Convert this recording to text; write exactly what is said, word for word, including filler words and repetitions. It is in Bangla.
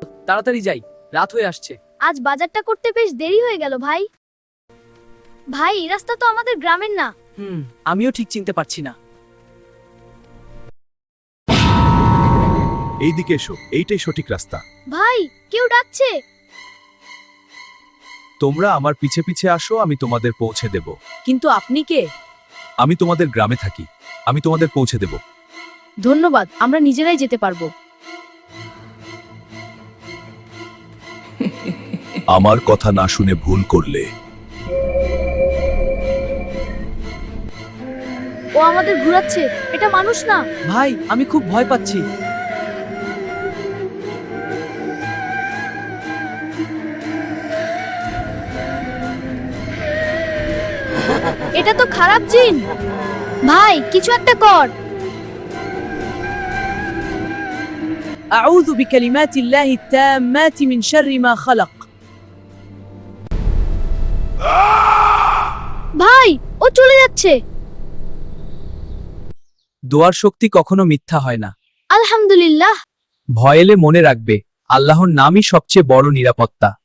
তাড়াতাড়ি যাই, রাত হয়ে আসছে। আজ বাজারটা করতে বেশ দেরি হয়ে গেল ভাই। ভাই, এই রাস্তা তো আমাদের গ্রামের না। হুম, আমিও ঠিক চিনতে পারছি না। এইদিকে এসো, এইটাই সঠিক রাস্তা। ভাই, কেউ ডাকছে। তোমরা আমার পিছে পিছে আসো, আমি তোমাদের পৌঁছে দেব। কিন্তু আপনি কে? আমি তোমাদের গ্রামে থাকি, আমি তোমাদের পৌঁছে দেব। ধন্যবাদ, আমরা নিজেরাই যেতে পারবো। আমার কথা না শুনে ভুল করলে। ও আমাদের ঘুরাচ্ছে, এটা মানুষ না। ভাই, আমি খুব ভয় পাচ্ছি। এটা তো খারাপ জিন। ভাই, কিছু একটা কর। أعوذ بكلمات الله التامات من شر ما خلق. ভাই, ও চলে যাচ্ছে। দোয়ার শক্তি কখনো মিথ্যা হয় না। আলহামদুলিল্লাহ। ভয় এলে মনে রাখবে, আল্লাহর নামই সবচেয়ে বড় নিরাপত্তা।